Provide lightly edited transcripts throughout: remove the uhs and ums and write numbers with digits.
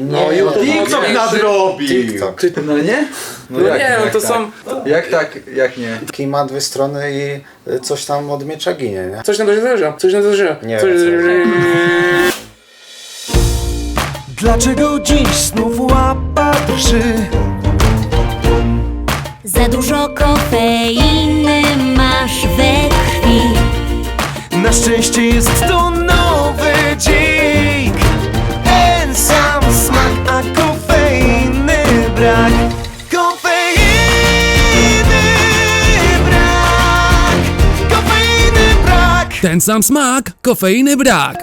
No YouTube TikTok nadrobi! TikTok. No nie? No nie, no to są... Jak tak, jak nie? Kij ma dwie strony i coś tam od miecza ginie, nie? Coś na to się zdarza, coś na to się zdarza. Nie Coś... wiem, Dlaczego dziś znów łapa drży? Za dużo kofeiny masz we krwi. Na szczęście jest to nowy dzik. Ten sam smak, a kofeiny brak. Kofeiny brak. Kofeiny brak. Ten sam smak, kofeiny brak.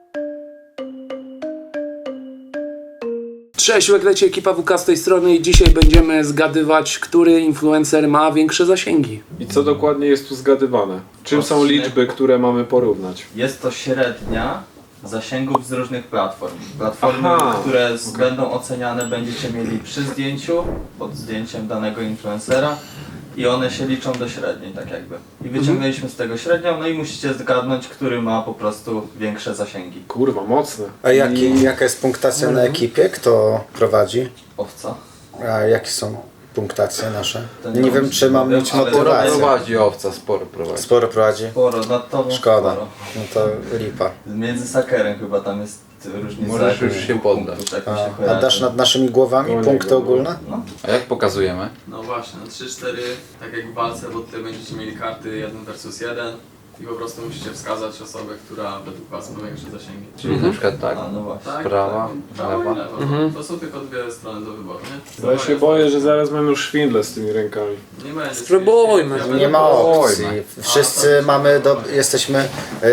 Cześć, leci ekipa WK z tej strony i dzisiaj będziemy zgadywać, który influencer ma większe zasięgi. I co dokładnie jest tu zgadywane? Czym są liczby, które mamy porównać? Jest to średnia zasięgów z różnych platform. Platformy, Aha, które będą oceniane będziecie mieli przy zdjęciu, pod zdjęciem danego influencera i one się liczą do średniej, tak jakby. I wyciągnęliśmy z tego średnią, no i musicie zgadnąć, który ma po prostu większe zasięgi. Kurwa, mocne. A jaka jest punktacja na ekipie? Kto prowadzi? Owca. A jakie są punktacje nasze? To Nie wiem, czy mam wiem, mieć ale motywację. Prowadzi owca, sporo prowadzi. Sporo prowadzi? Sporo, nad tobą Szkoda. sporo. No to lipa. Między sakerem chyba tam jest różnica. Możesz już jakoś się dwóch poddać. punktów, tak mi się A kojarzy. dasz nad naszymi głowami Koło punkty niego, ogólne? A jak pokazujemy? No właśnie, no 3-4, tak jak w walce, bo tutaj będziecie mieli karty 1 versus 1 i po prostu musicie wskazać osobę, która według was ma większe zasięgi. Czyli na przykład tak. A, no właśnie. Tak, Prawa, tak, prawa lewa. i lewa. To są tylko dwie strony do wyboru, nie? Ja się boję, że zaraz mamy już szwindle z tymi rękami. Nie będzie. Spróbujmy. Ja Nie będę- ma opcji. Oj, Wszyscy jesteśmy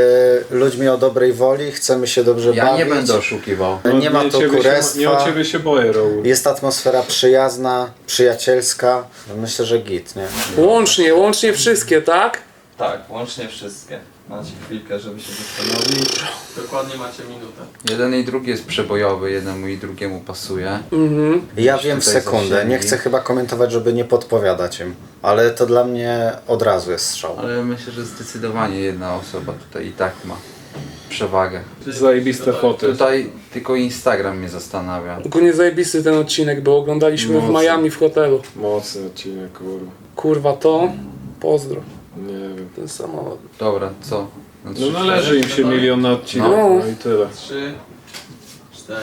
ludźmi o dobrej woli, chcemy się dobrze Ja bawić. nie będę oszukiwał. Nie ma o tu ciebie kurestwa. nie o ciebie się boję, Raul. Jest atmosfera przyjazna, przyjacielska. Myślę, że git, nie? Łącznie wszystkie, tak? Tak, łącznie wszystkie. Macie chwilkę, żeby się zastanowić. Dokładnie macie minutę. Jeden i drugi jest przebojowy, jednemu i drugiemu pasuje. Ja Jakieś wiem w tutaj sekundę. zasięgi. Nie chcę chyba komentować, żeby nie podpowiadać im. Ale to dla mnie od razu jest strzał. Ale myślę, że zdecydowanie jedna osoba tutaj i tak ma przewagę. Zajebiste foty. Tutaj tylko Instagram mnie zastanawia. Ogólnie zajebisty ten odcinek, bo oglądaliśmy w Mocno. Miami w hotelu. Mocny odcinek, kurwa. Kurwa to, pozdro, Nie wiem. ten samochód. Dobra, co? Na No trzy, należy im się milion na odcinek, No. no i tyle. 3, 4.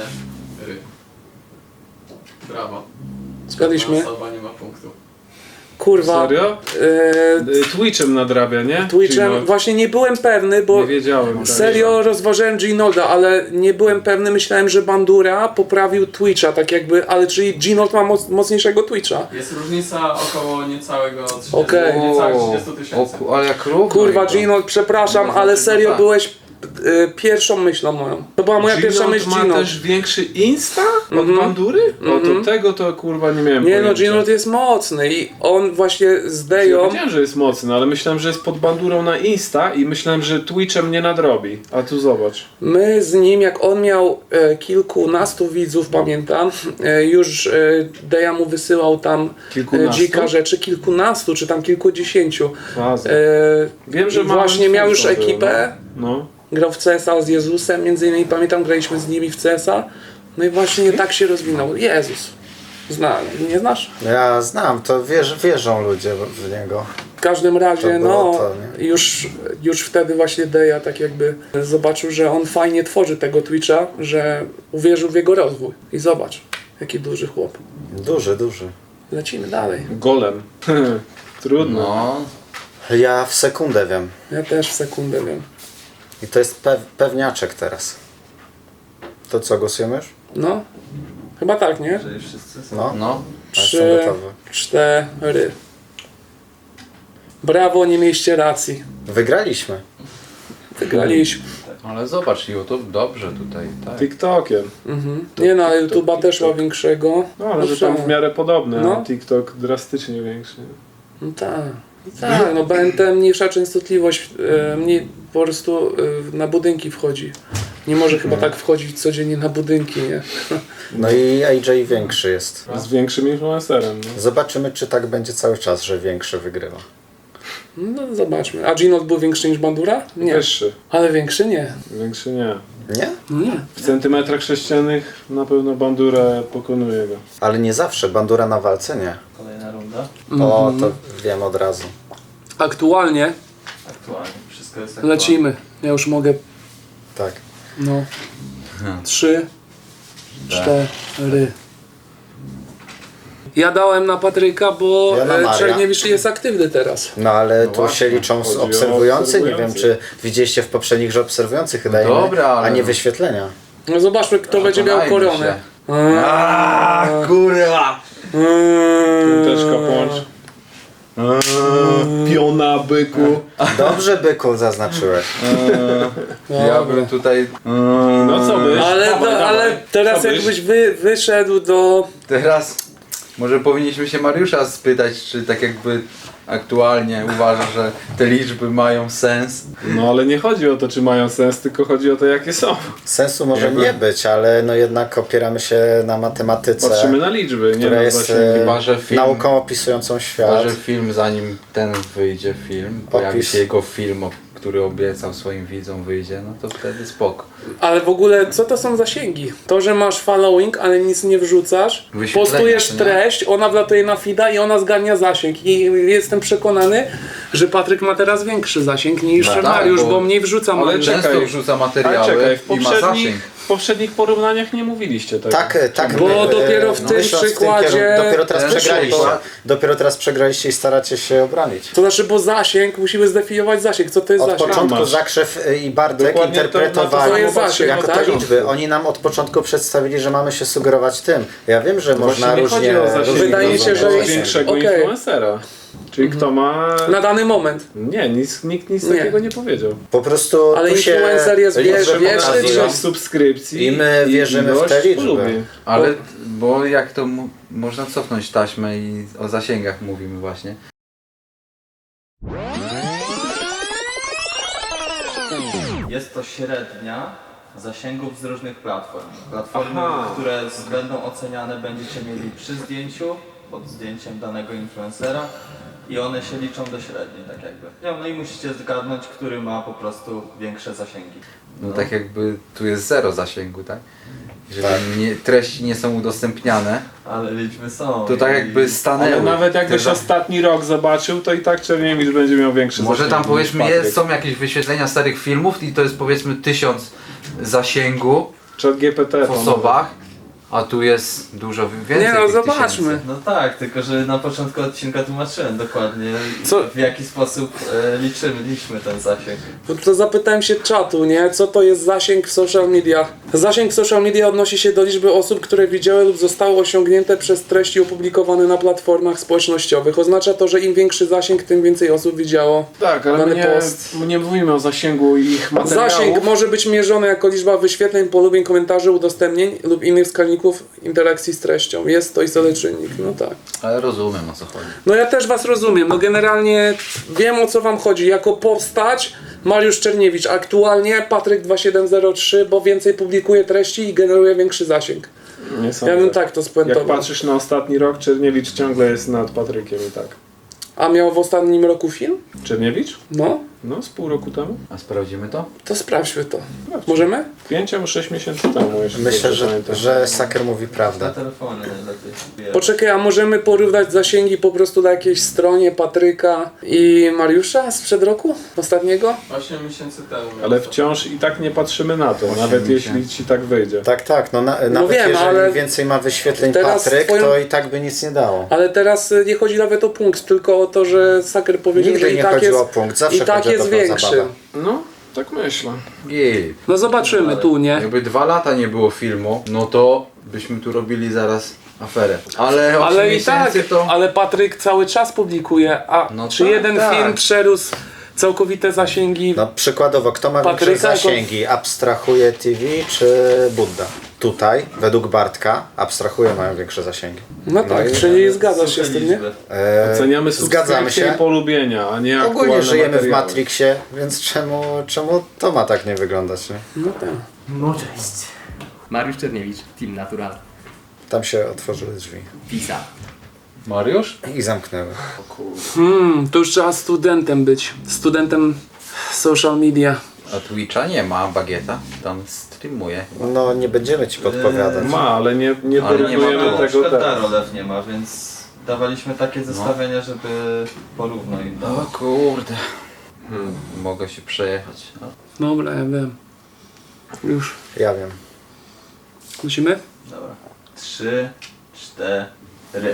Brawo. Zgadliśmy? Ta osoba nie ma punktu. Kurwa. Serio? Twitchem nadrabia, nie? Twitchem, Ginold. właśnie nie byłem pewny, bo Nie wiedziałem. tak. serio rozważałem Ginolda, ale nie byłem pewny, myślałem, że Bandura poprawił Twitcha, tak jakby, ale czyli Ginold ma mocniejszego Twitcha. Jest różnica około niecałego 30, Okej. niecałych 30 tysięcy. ale jak równo. Kurwa i to. Ginold, przepraszam, No, ale znaczy, serio tak. byłeś pierwszą myślą moją. To była moja pierwsza Ginold myśl ma Ginold. też większy Insta od Bandury? No to tego to kurwa nie miałem Nie no, pojęcia. Ginold jest mocny i on właśnie z Ja Deją... wiedziałem, że jest mocny, ale myślałem, że jest pod Bandurą na Insta i myślałem, że Twitchem nie nadrobi. A tu zobacz. My z nim, jak on miał kilkunastu widzów, pamiętam, już Deja mu wysyłał tam Kilkunastu? dzika rzeczy, kilkunastu czy tam kilkudziesięciu. Faza. Wiem, że małym właśnie miał już twórcą był, ekipę, No. grał w CS-a z Jezusem, między innymi pamiętam, graliśmy z nimi w CS-a, no i właśnie tak się rozwinął. Jezus. Nie znasz? Ja znam, to wierzą ludzie w niego. W każdym razie, To było no, to, nie? już wtedy właśnie Deja tak jakby zobaczył, że on fajnie tworzy tego Twitcha, że uwierzył w jego rozwój. I zobacz, jaki duży chłop. Duży. Lecimy dalej. Golem. Trudno. No, Ja w sekundę wiem. Ja też w sekundę wiem. I to jest pewniaczek teraz. To co, głosujemy już? No, chyba tak, nie? Jeżeli wszyscy są. No. no. Ja jestem 3, gotowy. 4. Brawo, nie mieliście racji. Wygraliśmy. Wygraliśmy. Ale zobacz, YouTube dobrze tutaj, tak. TikTokiem. Nie no, ale YouTube'a też ma większego. No ale że tam w miarę podobne, No. a TikTok drastycznie większy. No tak. Tak, no BNT mniejsza częstotliwość, mniej po prostu na budynki wchodzi. Nie może chyba tak wchodzić codziennie na budynki, nie? No i AJ większy jest. Z większym influencerem. No. Zobaczymy, czy tak będzie cały czas, że większy wygrywa. No zobaczmy. A Ginot był większy niż Bandura? Nie. Wyższy. Ale większy nie. Większy nie. Nie? No nie. W centymetrach sześciennych na pewno Bandura pokonuje go. Ale nie zawsze, Bandura na walce nie. Kolejna runda. O, to wiem od razu. Aktualnie Aktualnie. Wszystko jest aktualne. lecimy. Ja już mogę. Tak. No. 3, 4. Ja dałem na Patryka, bo Ja na Maria. Czerniewicz jest aktywny teraz. No ale No tu właśnie, się liczą chodzi o obserwujący. Nie wiem, obserwujących. czy widzieliście w poprzednich, że obserwujących dajemy, dobra, ale a nie no. wyświetlenia. No zobaczmy, kto będzie miał Przekonajmy koronę. się. Kurwa! Piąteczka płącz. Piona byku. Dobrze, byku, zaznaczyłeś. Ja bym tutaj... No co byś? Ale, Dawaj, dawaj. ale teraz Co byś? jakbyś wyszedł do... Teraz może powinniśmy się Mariusza spytać, czy tak jakby aktualnie uważa, że te liczby mają sens. No ale nie chodzi o to, czy mają sens, tylko chodzi o to, jakie są. Sensu może Jakby- nie być, ale no jednak opieramy się na matematyce, Patrzymy na liczby, nie która na jest zasięgi. Chyba, że film- nauką opisującą świat. Chyba, że film, zanim ten wyjdzie film, pojawi Opis. się jego film, który obiecał swoim widzom wyjdzie, no to wtedy spoko. Ale w ogóle, co to są zasięgi? To, że masz following, ale nic nie wrzucasz, Wyświetlenia, postujesz to nie? treść, ona wlatuje na feeda i ona zgarnia zasięg. I jestem przekonany, że Patryk ma teraz większy zasięg niż No tak, Mariusz, bo- bo mniej wrzuca Ale Mariusz. czekaj. Często wrzuca Ale materiały czekaj, i ma zasięg. w poprzednich porównaniach nie mówiliście tego. Tak, Bo dopiero w tym myśląc przykładzie kierunku, wyszło. dopiero teraz przegraliście i staracie się obronić. To znaczy, bo zasięg, musimy zdefiniować zasięg. Co to jest Od zasięg? początku masz. Zakrzew i Bartek Dokładnie to interpretowali to jest zasięg, jako tak? te liczby. Oni nam od początku przedstawili, że mamy się sugerować tym. Ja wiem, że można Właśnie nie chodzi różnie... o zasięg, różnie Wydaje mi się, że rozumieć. jest- większego Okej. influencera. Czyli kto ma... Na dany moment. Nie, nikt nic Nie. takiego nie powiedział. Po prostu Ale tu się influencer jest liczby wieczny, pokazują. czy- Ilość subskrypcji I my wierzymy w ilość te liczby. polubień. Ale, bo jak to można cofnąć taśmę i o zasięgach mówimy właśnie. Jest to średnia zasięgów z różnych platform. Platformy, Aha. które będą oceniane będziecie mieli przy zdjęciu, pod zdjęciem danego influencera i one się liczą do średniej, tak jakby. No i musicie zgadnąć, który ma po prostu większe zasięgi. No tak jakby tu jest zero zasięgu, tak? Jeżeli Tak. treści nie są udostępniane, Ale liczby są. to tak i- jakby stanęły. Ale nawet jakbyś Te za- ostatni rok zobaczył, to i tak Czerniewicz będzie miał większy Może zasięg tam niż powiedzmy Patryk. są jakieś wyświetlenia starych filmów i to jest powiedzmy 1000 zasięgu Chat GPT w osobach, a tu jest dużo więcej Nie no, tych zobaczmy. tysięcy. No tak, tylko że na początku odcinka tłumaczyłem dokładnie Co? w jaki sposób liczyliśmy ten zasięg. To zapytałem się czatu, nie? Co to jest zasięg w social mediach? Zasięg w social media odnosi się do liczby osób, które widziały lub zostały osiągnięte przez treści opublikowane na platformach społecznościowych. Oznacza to, że im większy zasięg, tym więcej osób widziało Tak, ale dany my post. nie mówimy o zasięgu ich materiałów. Zasięg może być mierzony jako liczba wyświetleń, polubień, komentarzy, udostępnień lub innych wskaźników interakcji z treścią. Jest to istotny czynnik, no tak. Ale rozumiem, o co chodzi. No ja też was rozumiem, no generalnie wiem, o co wam chodzi. Jako postać Mariusz Czerniewicz, aktualnie Patryk 2703, bo więcej publikuje treści i generuje większy zasięg. Nie sądzę. Ja bym tak to Jak spuentował. patrzysz na ostatni rok, Czerniewicz ciągle jest nad Patrykiem i tak. A miał w ostatnim roku film? Czerniewicz? No, No, z pół roku temu. A sprawdzimy to? to sprawdźmy to. Możemy? 5 albo 6 miesięcy temu, jeśli Myślę, dobrze pamiętam. że Saker mówi Na prawdę. telefonie najlepiej. Wiesz. Poczekaj, a możemy porównać zasięgi po prostu na jakiejś stronie Patryka i Mariusza sprzed roku? Ostatniego? 8 miesięcy temu. Ale wciąż i tak nie patrzymy na to, nawet miesięcy. jeśli ci tak wyjdzie. Tak, no nawet wiem, jeżeli ale więcej ma wyświetleń teraz Patryk, twoją- to i tak by nic nie dało. Ale teraz nie chodzi nawet o punkt, tylko o to, że Saker powiedział, Nigdy że i nie tak chodziło jest, o punkt, zawsze i tak chodzi o jest dobrą większy. zabawę. No, tak myślę. Jej. No zobaczymy tu, nie? Jakby 2 lata nie było filmu, no to byśmy tu robili zaraz aferę. Ale 8 Ale i tak, miesięcy to... ale Patryk cały czas publikuje, a No czy tak, jeden tak. film przerósł całkowite zasięgi? No przykładowo, kto ma Patryka większe jako- zasięgi? Abstrahuje TV czy Budda? Tutaj, według Bartka, abstrahuje mają większe zasięgi. No tak, i- czyli zgadzasz się Suche z tym, nie? liczby. Oceniamy Zgadzamy subskrypcje się. i polubienia, a nie Ogólnie aktualne żyjemy w materiały. Matrixie, więc czemu to ma tak nie wyglądać? Nie? No tak. No cześć. Mariusz Czerniewicz, Team Natural. Tam się otworzyły drzwi. Pisa. Mariusz? I zamknęły. To już trzeba studentem być. Studentem social media. A Twitcha nie ma, Bagieta tam streamuje. No nie będziemy ci podpowiadać. Ma, ale nie Ale nie ma porównujemy to. Na tego przykład teraz. Darolew nie ma, więc dawaliśmy takie zestawienia, żeby porówno im O dawać. kurde. Mogę się przejechać. Dobra, ja wiem. Już. Ja wiem. Musimy? Dobra. 3, 4.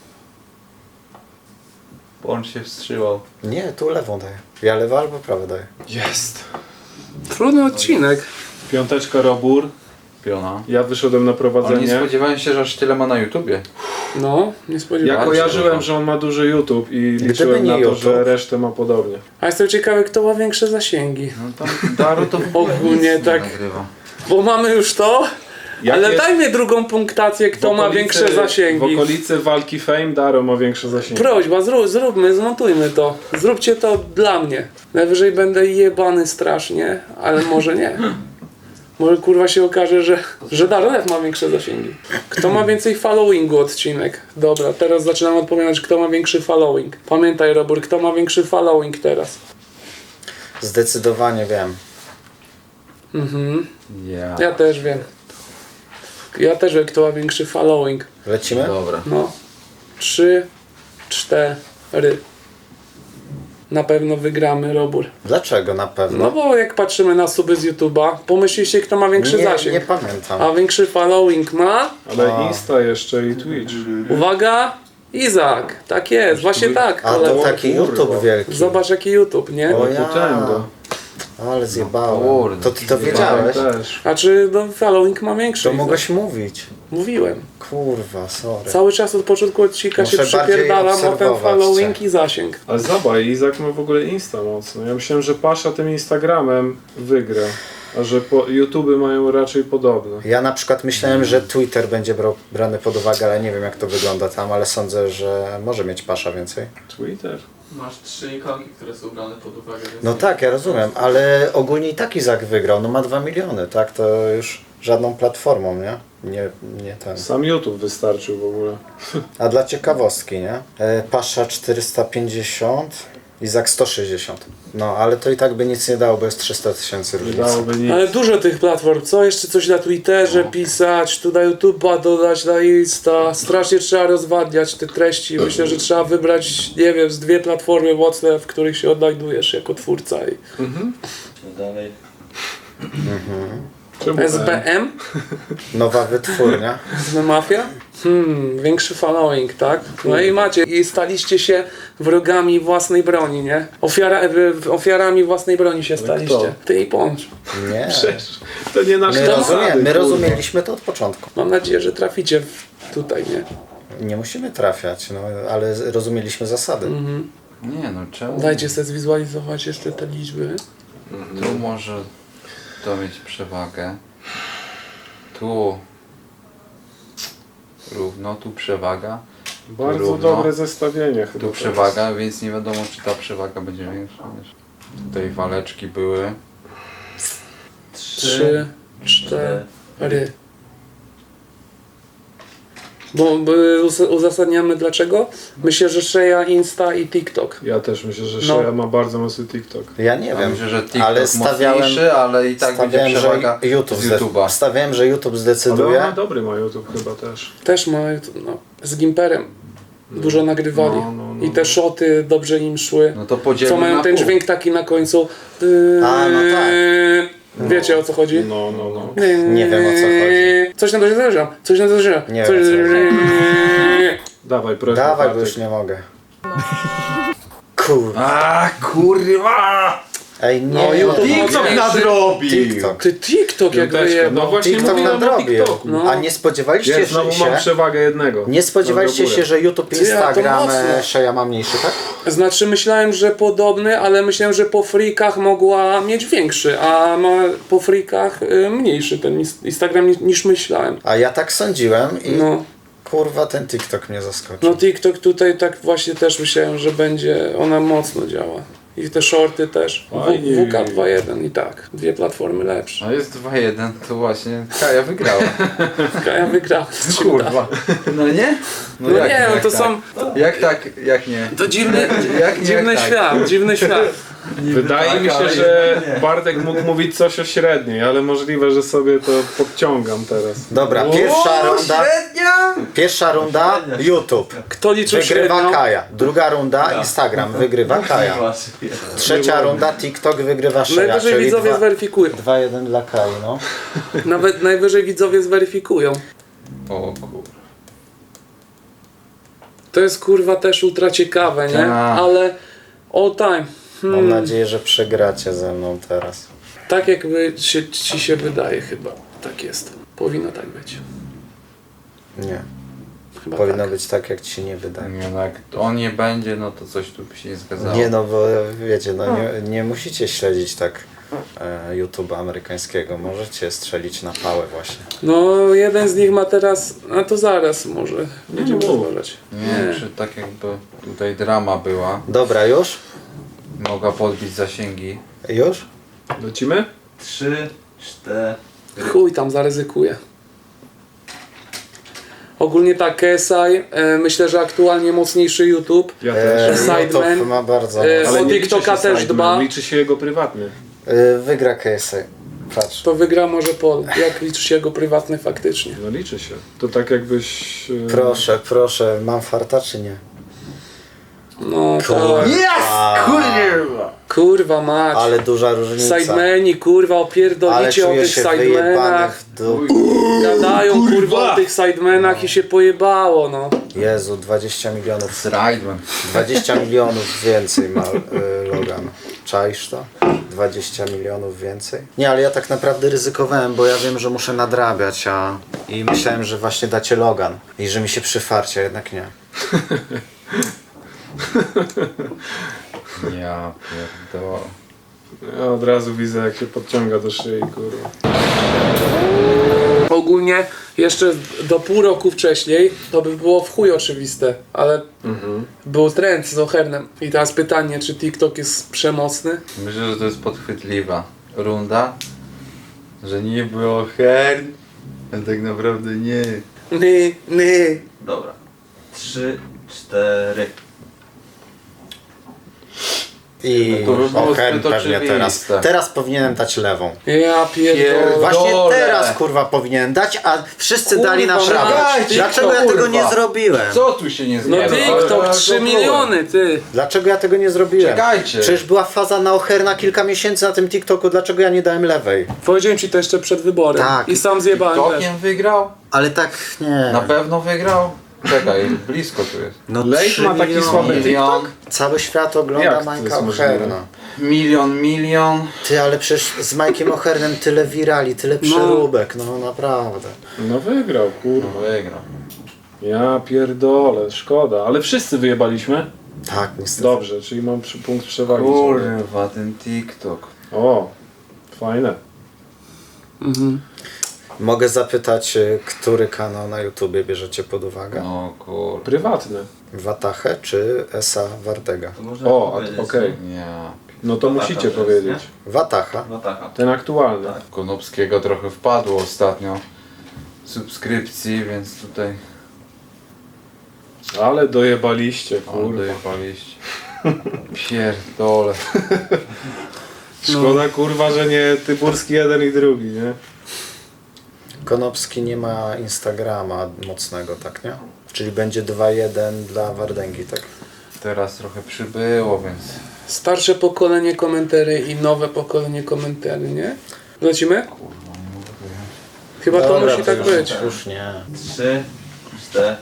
On się wstrzymał. Nie, tu lewą daję. Ja lewo albo prawo daję. Jest. Trudny odcinek. Piąteczka Robur. Piona. Ja wyszedłem na Ale nie prowadzenie. spodziewałem się, że aż tyle ma na YouTubie. No, nie Ja spodziewałem się. kojarzyłem, że on ma duży YouTube i liczyłem nie na to, YouTube. że resztę ma podobnie. A jestem ciekawy, kto ma większe zasięgi. No tam Daru to w ogóle Ogólnie nic nie tak. nagrywa. Bo mamy już to, Jak ale jest dajmy drugą punktację, kto ma większe W zasięgi. okolicy walki Fame Daro ma większe zasięgi. Prośba, zróbmy, zmontujmy to. Zróbcie to dla mnie. Najwyżej będę jebany strasznie, ale może nie. Może kurwa się okaże, że Darolew ma większe zasięgi. Kto ma więcej followingu odcinek? Dobra, teraz zaczynam odpowiadać, kto ma większy following. Pamiętaj, Robur, kto ma większy following teraz? Zdecydowanie wiem. Ja. Ja też wiem. Ja też wiem, kto ma większy following. Lecimy? Dobra. No. 3, 4. Na pewno wygramy, Robur. Dlaczego na pewno? No bo jak patrzymy na suby z YouTube'a, pomyślcie, kto ma większy nie, zasięg. nie pamiętam. A większy following ma? Ale Insta jeszcze i Twitch. Uwaga! Izak! Tak jest, właśnie tak. A to kolego. taki YouTube wielki. Zobacz jaki YouTube, nie? O ja. Potęga. Ale zjebałem. Kurde. To ty to wiedziałeś? Też. A czy no, following ma większy? To Izak? mogłeś mówić. Mówiłem. Kurwa, sorry. Cały czas od początku odcinka się Muszę bardziej przypierdalam o ten obserwować following cię. i zasięg. Ale zobacz, Izak ma w ogóle Insta mocno. Ja myślałem, że Pasza tym Instagramem wygra. A że YouTube mają raczej podobne. Ja na przykład myślałem, że Twitter będzie brany pod uwagę, ale nie wiem jak to wygląda tam, ale sądzę, że może mieć Pasza więcej. Twitter? Masz 3 ikonki, które są brane pod uwagę. Więc No tak, ja rozumiem, ale ogólnie i tak Izak wygrał, no ma 2 miliony, tak? To już żadną platformą, nie? Nie ten. Sam YouTube wystarczył w ogóle. A dla ciekawostki, nie? Pasza 450, Izak 160. No, ale to i tak by nic nie dało, bo jest 300 000 Nie różnicy. dałoby nic. Ale dużo tych platform, co? Jeszcze coś na Twitterze pisać, tu na YouTube'a dodać, na Insta. Strasznie trzeba rozwadniać te treści. Myślę, że trzeba wybrać, nie wiem, z 2 platformy mocne, w których się odnajdujesz jako twórca. I Dalej. Czemu SBM? Nowa wytwórnia. Mafia? Większy following, tak? No i macie, i staliście się wrogami własnej broni, nie? Ofiarami własnej broni się staliście. kto? Ty i Poncz. Nie. To nie nasz My rozumieliśmy to od początku. Mam nadzieję, że traficie tutaj, nie? Nie musimy trafiać, no, ale rozumieliśmy zasady. Nie no, czemu? Dajcie sobie zwizualizować jeszcze te liczby. Tu może to mieć przewagę. Tu równo, tu przewaga. Bardzo Równo. dobre zestawienie chyba. Tu przewaga, więc nie wiadomo czy ta przewaga będzie większa niż. Tutaj waleczki były. 3, 4. Bo uzasadniamy dlaczego? Myślę, że Shea, Insta i TikTok. Ja też myślę, że No. Shea ma bardzo mocny TikTok. Ja nie Ja wiem, myślę, że TikTok ale mocniejszy, ale i tak będzie przewaga że YouTube z YouTube'a. stawiałem, że YouTube Ale zdecyduje. ona dobry ma YouTube chyba też. Też ma, no, z Gimperem. Dużo nagrywali. No. I te shoty dobrze im szły. No to podzielmy Co mają na ten pół. dźwięk taki na końcu. A, no tak. Wiecie o co chodzi? No. Nie wiem, o co chodzi. Coś na to się zdarza. Coś na to się zdarza. Nie Coś wiem, o co Dawaj, proszę. Dawaj, bo Bartek. już nie mogę. Kurwa. A kurwa! Ej, nie. No, YouTube TikTok mocniejszy. nadrobił! TikTok. Ty TikTok jak Piąteczka. wyjebał. No właśnie TikTok mówiłem o nadrobił. TikToku. No. A nie spodziewaliście Ja znowu mam się, przewagę jednego. nie spodziewaliście Dobra, się, że YouTube, Ty, a to Instagram, mocno. Shea ma mniejszy, tak? Znaczy myślałem, że podobny, ale myślałem, że po freakach mogła mieć większy, a ma po freakach mniejszy ten Instagram niż myślałem. A ja tak sądziłem i No. kurwa ten TikTok mnie zaskoczył. No TikTok tutaj tak właśnie też myślałem, że będzie, ona mocno działa. I te shorty też. Fajnie. WK 2.1 i tak. Dwie platformy lepsze. No jest 2-1, to właśnie Kaja wygrała. Ja wygrałem. Kurwa. No nie? No nie, no jak to tak? są... Jak tak, jak nie? To dziwny, Jak nie, dziwny jak tak? świat, dziwny świat. Wydaje mi się, że Bartek mógł mówić coś o średniej, ale możliwe, że sobie to podciągam teraz. Dobra, pierwsza runda YouTube. Kto liczył Wygrywa średnią? Kaja. Druga runda Instagram. Wygrywa Kaja. Trzecia runda TikTok wygrywa Szeja. Najwyżej czyli widzowie zweryfikują. 2-1 dla Kai, no. Nawet najwyżej widzowie zweryfikują. O kurwa. To jest kurwa też ultra ciekawe, nie? Tak. Ale all time. Mam nadzieję, że przegracie ze mną teraz. Tak jakby ci się wydaje chyba. Tak jest. Powinno tak być. Nie. Chyba Powinno tak. być tak, jak ci się nie wydaje. Nie, no jak on nie będzie, no to coś tu by się nie zgadzało. Nie no, bo wiecie, no nie musicie śledzić tak YouTube'a amerykańskiego. Możecie strzelić na pałę właśnie. No jeden z nich ma teraz... A to zaraz może. Będziemy rozmawiać. Nie wiem, czy tak jakby tutaj drama była, Dobra, już? mogła podbić zasięgi. Już? Lecimy? 3, 4. Chuj tam, zaryzykuję. Ogólnie tak, KSI, myślę, że aktualnie mocniejszy YouTube. Ja też. Sideman. YouTube ma bardzo... Ale o nie liczy TikToka się też Sideman, dba. liczy się jego prywatny. Wygra KSI. Patrz. To wygra może Pol. Jak liczy się jego prywatny faktycznie? No liczy się. To tak jakbyś... Proszę, mam farta czy nie? No Kurwa. tak. Kurwa mać. Ale duża różnica. Sidemani, kurwa, Ale opierdolicie o czuję tych się wyjebany sidemenach. w dół. Gadają kurwa o tych sidemenach i się pojebało, no. Jezu, 20 milionów. Zrajdman. 20 milionów więcej ma Logan. Czaisz to? 20 milionów więcej? Nie, ale ja tak naprawdę ryzykowałem, bo ja wiem, że muszę nadrabiać, i myślałem, że właśnie dacie Logan i że mi się przyfarcie, a jednak nie. Ja pierdolę. Ja od razu widzę, jak się podciąga do szyi, kurwa. Ogólnie jeszcze do pół roku wcześniej to by było w chuj oczywiste, ale był trend z Ochernem. I teraz pytanie, czy TikTok jest przemocny? Myślę, że to jest podchwytliwa runda, że nie było hern, a tak naprawdę nie. Nie. Dobra. 3, 4. I To by było Ochen zbyt pewnie teraz. oczywiste. Teraz powinienem dać lewą. Ja pierdolę. Właśnie Dole. teraz kurwa powinienem dać, a wszyscy Kurwa, dali na prawo. dajcie, Dlaczego ja tego kurwa. nie zrobiłem? Co tu się nie No zgadza? TikTok, Ale 3 to miliony, ty. Dlaczego ja tego nie zrobiłem? Czekajcie. Przecież była faza na Ocherna kilka miesięcy na tym TikToku, dlaczego ja nie dałem lewej? Powiedziałem ci to jeszcze przed wyborem. Tak. I sam zjebałem też. Tokiem wygrał? Ale tak nie. Na pewno wygrał? Czekaj, blisko tu jest. No Lejk 3 ma taki miliony. słaby Milion, Cały świat ogląda Jak to Majka jest możliwe? Ocherna. milion. Ty, ale przecież z Majkiem Ochernem tyle wirali, tyle przeróbek, no naprawdę. No wygrał, kurwa. No wygrał. Ja pierdolę, szkoda. Ale wszyscy wyjebaliśmy? Tak, niestety. Dobrze, czyli mam punkt przewagi. Kurwa, ten TikTok. O, fajne. Mogę zapytać, który kanał na YouTubie bierzecie pod uwagę? No kurwa. Prywatne. Watachę czy Esa Wardega? To można O, powiedzieć, okej. Ja. No to Wataka musicie to jest, powiedzieć. Watacha. No taka. Ten aktualny. Tak. Konopskiego trochę wpadło ostatnio subskrypcji, więc tutaj Ale dojebaliście, kurwa. dojechaliście. Pierdole. Szkoda, kurwa, że nie Tyburski jeden i drugi, nie? Konopski nie ma Instagrama mocnego, tak nie? Czyli będzie 2-1 dla Wardęgi, tak? Teraz trochę przybyło, więc Starsze pokolenie komentary i nowe pokolenie komentary, nie? Lecimy? Chyba to Dobra, musi tak już, być. Już nie. 3, 4.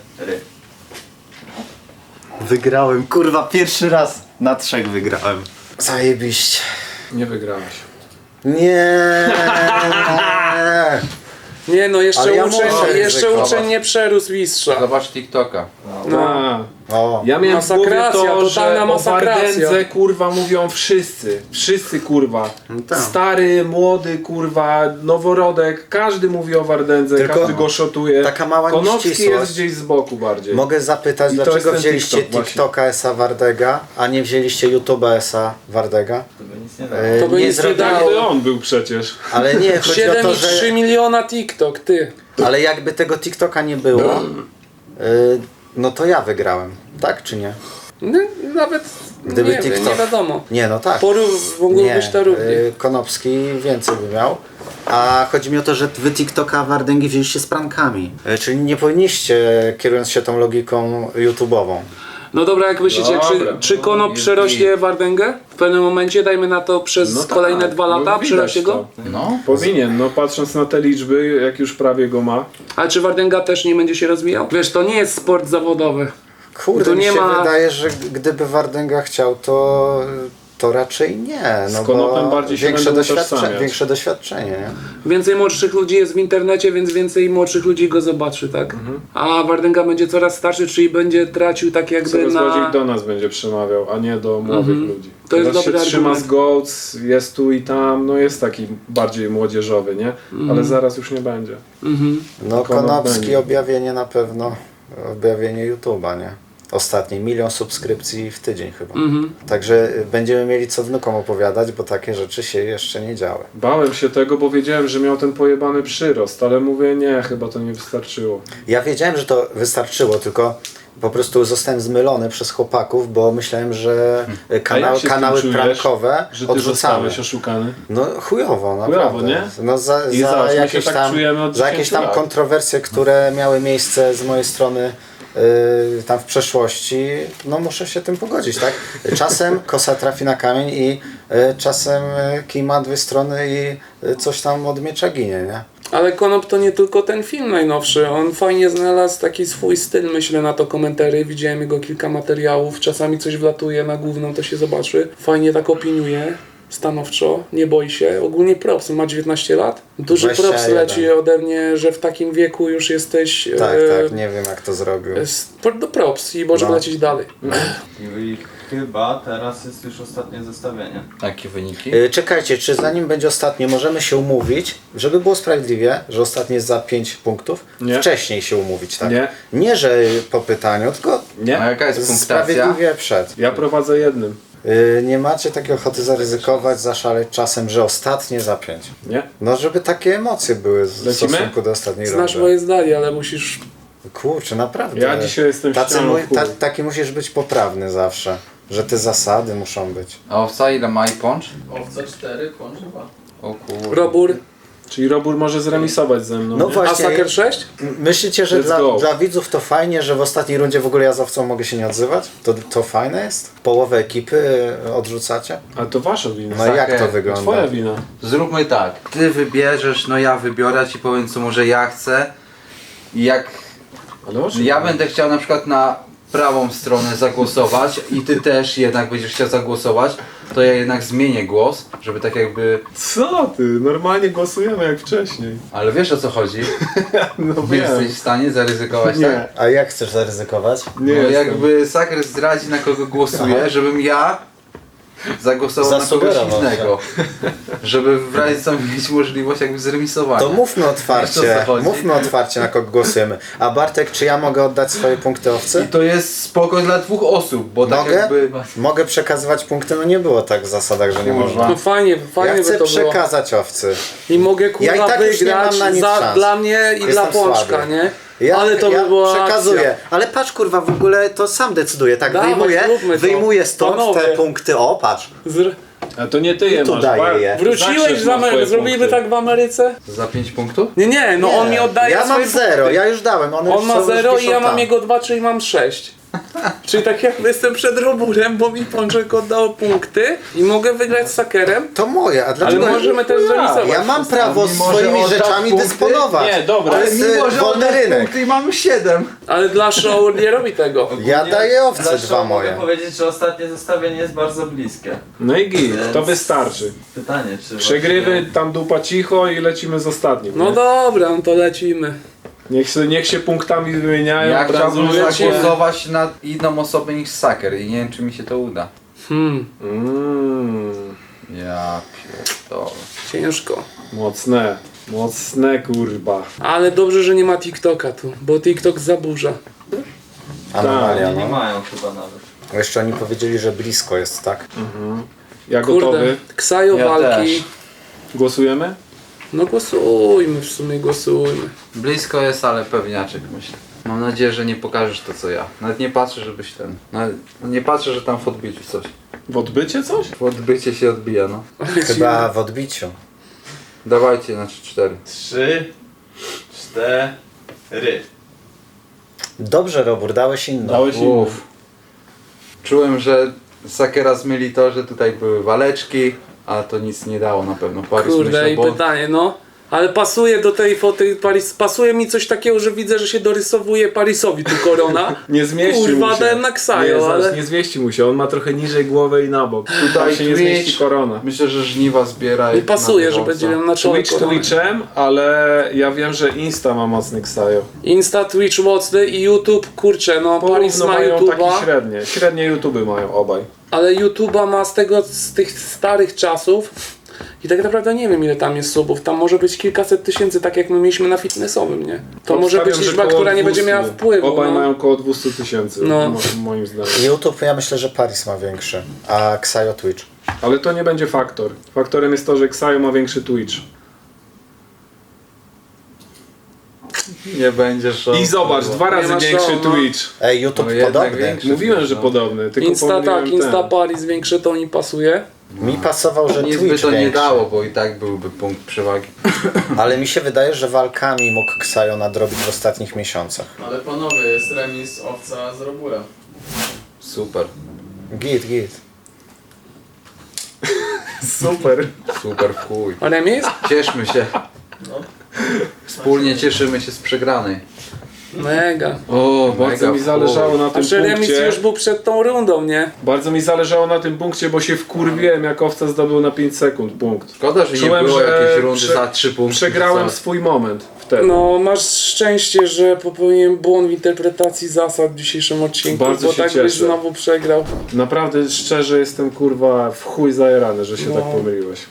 Wygrałem, kurwa, pierwszy raz na 3 wygrałem. Zajebiście. Nie wygrałeś. Nie. Nie no, jeszcze Ale ja uczeń, muszę jeszcze ryzykować. uczeń nie przerósł mistrza. Zobacz TikToka. No. O, Ja miałem w głowie Masakracja, to, totalna że o masakracja. Wardędze kurwa mówią wszyscy. Wszyscy kurwa. No tak. Stary, młody kurwa, noworodek. Każdy mówi o Wardędze, Tylko każdy go szotuje. taka mała Konopski nieścisłość. jest gdzieś z boku bardziej. mogę zapytać, I to dlaczego jest ten wzięliście TikTok właśnie. TikToka S.A. Wardega, a nie wzięliście YouTube'a S.A. Wardega? To by nic nie dało. To by nic nie zrobili- dało. Jakby on był przecież. Ale nie, chodzi o to, 7,3 że... miliona TikTok, ty. Ale jakby tego TikToka nie było, no to ja wygrałem. Tak czy nie? No, nawet Gdyby nie, wiem, TikTok- nie wiadomo. Nie, no tak. Mógłbyś to równie. Konopski więcej by miał. A chodzi mi o to, że wy TikToka Wardęgi wzięliście z prankami. Czyli nie powinniście, kierując się tą logiką YouTube'ową. No dobra, jak myślicie, Dobra, czy Konop jest przerośnie Wardęgę? W pewnym momencie, dajmy na to przez No kolejne tak, 2 lata, no widać przerośnie go? to. No. Powinien, no patrząc na te liczby, jak już prawie go ma. Ale czy Wardęga też nie będzie się rozwijał? Wiesz, to nie jest sport zawodowy. Kurde, Tu mi nie się ma- wydaje, że gdyby Wardęga chciał, to raczej nie. No Z Konopem bo bardziej się będą utożsamiać. większe doświadczenie, nie? Więcej młodszych ludzi jest w internecie, więc więcej młodszych ludzi go zobaczy, tak? A Wardęga będzie coraz starszy, czyli będzie tracił tak jakby Coraz bardziej na... do nas będzie przemawiał, a nie do młodych ludzi. To jest Teraz dobry się trzyma argument. z Goats, jest tu i tam, no jest taki bardziej młodzieżowy, nie? Ale zaraz już nie będzie. No Konop Konopski będzie. objawienie na pewno, objawienie YouTube'a, nie? Ostatni 1 000 000 subskrypcji w tydzień chyba. Także będziemy mieli co wnukom opowiadać, bo takie rzeczy się jeszcze nie działy. Bałem się tego, bo wiedziałem, że miał ten pojebany przyrost, ale mówię nie, chyba to nie wystarczyło. Ja wiedziałem, że to wystarczyło, tylko po prostu zostałem zmylony przez chłopaków, bo myślałem, że A jak się z tym kanały czujesz, prankowe że ty odrzucamy. zostałeś oszukany? No chujowo, naprawdę. nie? No za I zobacz, my się jakieś tak tam, czujemy od za jakieś 10 tam lat. kontrowersje, które miały miejsce z mojej strony tam w przeszłości, no muszę się tym pogodzić, tak? Czasem kosa trafi na kamień i czasem kij ma 2 strony i coś tam od miecza ginie, nie? Ale Konop to nie tylko ten film najnowszy, on fajnie znalazł taki swój styl, myślę, na to komentary, widziałem jego kilka materiałów, czasami coś wlatuje na główną, to się zobaczy, fajnie tak opiniuje, stanowczo, nie boi się, ogólnie props, ma 19 lat, duży props 21. leci ode mnie, że w takim wieku już jesteś, Tak, tak, nie wiem jak to zrobił. do props i możemy No. lecieć dalej. I chyba teraz jest już ostatnie zestawienie. Jakie wyniki? Czekajcie, czy zanim będzie ostatnie, możemy się umówić, żeby było sprawiedliwie, że ostatnie jest za 5 punktów? Nie. Wcześniej się umówić, tak? Nie. Nie, że po pytaniu, tylko A Nie? jaka jest punktacja? sprawiedliwie przed. Ja prowadzę jednym. Nie macie takiej ochoty zaryzykować, zaszaleć czasem, że ostatnie za 5. Nie? No, żeby takie emocje były w Lecimy? stosunku do ostatniej Znasz rundy. moje zdanie, ale musisz... Kurczę, naprawdę. Ja dzisiaj jestem ścianą w chuj. Taki musisz być poprawny zawsze, że te zasady muszą być. A owca ile ma i poncz? Owca 4, pącz 2. O kurde. Robór, Czyli Robór może zremisować ze mną, No nie? właśnie. a Saker 6? Myślicie, że Let's go. dla widzów to fajnie, że w ostatniej rundzie w ogóle ja z owcą mogę się nie odzywać? To fajne jest? Połowę ekipy odrzucacie? Ale to wasza wina. No jak to Saker, wygląda? Twoja wina. Zróbmy tak. Ty wybierzesz, no ja wybiorę, ja ci powiem co może ja chcę. I jak Ale o czym ja mówisz? będę chciał na przykład na prawą stronę zagłosować i ty też jednak będziesz chciał zagłosować, to ja jednak zmienię głos, żeby tak jakby... Co ty? Normalnie głosujemy jak wcześniej. Ale wiesz o co chodzi? No Nie wiem. jesteś w stanie zaryzykować, Nie. tak? A jak chcesz zaryzykować? Nie No jestem. jakby Saker zdradzi na kogo głosuje, Aha. żebym ja zagłosował na kogoś Zasugerował innego. Żeby w razie co mieć możliwość jakby zremisowania. To mówmy Wiesz, o otwarcie, co chodzi? mówmy otwarcie na kogo głosujemy. A Bartek, czy ja mogę oddać swoje punkty I owcy? to jest spoko dla 2 osób, bo tak Mogę? jakby... Mogę przekazywać punkty? No nie było tak w zasadach, że nie Kurwa. można. No fajnie Ja by chcę to było. przekazać owcy. I mogę kurwa Ja i tak już nie wygrać mam na nic szans. dla mnie i Jestem dla Pączka, słaby. nie? Ja, Ale to by była przekazuję. akcja. Ale patrz kurwa, w ogóle to sam decyduję. Tak, Dawaj, zróbmy to. wyjmuję stąd Panowie. te punkty. O, patrz. A to nie ty je tu masz. daję je. Wróciłeś z Ameryki, zrobimy tak w Ameryce? Za 5 punktów? Nie, no Nie, on mi oddaje ja swoje mam 0, punkty. ja już dałem. One On ma są 0 i wiszą ja mam tam. jego 2, czyli mam 6. Czyli tak jakby jestem przed Roburem, bo mi Pączek oddał punkty i mogę wygrać z Sakerem, To moje, a ale dlaczego? możemy też zremisować. Ja mam prawo Mimo, że swoimi oddał rzeczami punkty? dysponować. Nie, dobra. To Ale jest mimo, że wolny oddasz rynek. punkty i mamy 7. Ale dla show nie robi tego. Ja daję owce Zresztą dwa mogę moje. powiedzieć, że ostatnie zestawienie jest bardzo bliskie. No i git, to Więc- wystarczy. Pytanie, czy Przegrywy, właśnie- tam dupa cicho i lecimy z ostatnim. No nie? dobra, no to lecimy. Niech się punktami wymieniają, Ja chciałbym branżują się. zagłosować na inną osobę niż Saker i nie wiem czy mi się to uda. Ja pierdolę. Ciężko. Mocne kurwa. Ale dobrze, że nie ma TikToka tu, bo TikTok zaburza. Anomalia, Oni nie no. mają chyba nawet. Jeszcze oni powiedzieli, że blisko jest, tak? Ja Kurde, gotowy. Ksajo Ja walki. też. Głosujemy? No głosujmy, w sumie głosujmy. Blisko jest, ale pewniaczek myślę. Mam nadzieję, że nie pokażesz to co ja. Nawet nie patrzę, żebyś ten... Nawet nie patrzę, że tam w odbiciu coś. W odbycie coś? W odbycie się odbija, no. Chyba w odbiciu. Dawajcie na 3-4. 3, 4. Dobrze, Robur, dałeś inną. Dałeś im. Uff. Czułem, że Sakera zmyli to, że tutaj były waleczki, a to nic nie dało na pewno. Paris Kurde, myślał, i bo pytanie, no. Ale pasuje do tej foty Paris, pasuje mi coś takiego, że widzę, że się dorysowuje Parisowi tu korona. Nie zmieści Kurwa, mu się. dałem na Ksajo, nie, ale- nie zmieści mu się, on ma trochę niżej głowę i na bok. Tutaj się nie zmieści Twitch. korona. Myślę, że żniwa zbiera. Nie jak pasuje, na że bieżąco. będzie miał na czole Twitch koronę. Twitchem, ale ja wiem, że Insta ma mocny ksajo. Insta, Twitch mocny i YouTube, kurczę, no Paris Porówno ma mają takie YouTube'a, średnie. Średnie YouTube mają obaj. ale YouTube'a ma z tych starych czasów i tak naprawdę nie wiem ile tam jest subów, tam może być kilkaset tysięcy, tak jak my mieliśmy na fitnessowym, nie? To może być Obstawiam, że liczba, koło która nie będzie 200. miała wpływu. Obaj no. mają około 200 000, No. moim zdaniem. YouTube, ja myślę, że Paris ma większy, a Ksajo Twitch. Ale to nie będzie faktor. Faktorem jest to, że Ksajo ma większy Twitch. Nie będzie show. I zobacz, kurwa. 2 razy ma większy show, no. Twitch. Ej, YouTube No jednak podobny. większy. Mówiłem, że No. podobny, tylko Insta tak, pomyliłem Insta ten. Paris większe to mi pasuje. Mi pasował, że Nic by Twitch to nie większy. dało, bo i tak byłby punkt przewagi. Ale mi się wydaje, że walkami mógł Ksajo nadrobić w ostatnich miesiącach. Ale panowie, jest remis owca z Robura. Super. Git. Super. Super w chuj. Remis? Cieszmy się. Wspólnie cieszymy się z przegranej. Mega. O, bardzo Mega mi w zależało na tym Znaczy remis punkcie. już był przed tą rundą, nie? Bardzo mi zależało na tym punkcie, bo się wkurwiłem, jak owca zdobył na 5 sekund punkt. Szkoda, że Czułem, nie było że jakiejś rundy prze- za 3 punkty. Przegrałem Co? swój moment wtedy. No, masz szczęście, że popełniłem błąd w interpretacji zasad w dzisiejszym odcinku, Bardzo bo się tak byś cieszę. znowu przegrał. Naprawdę szczerze jestem kurwa w chuj zajerany, że się No. tak pomyliłeś.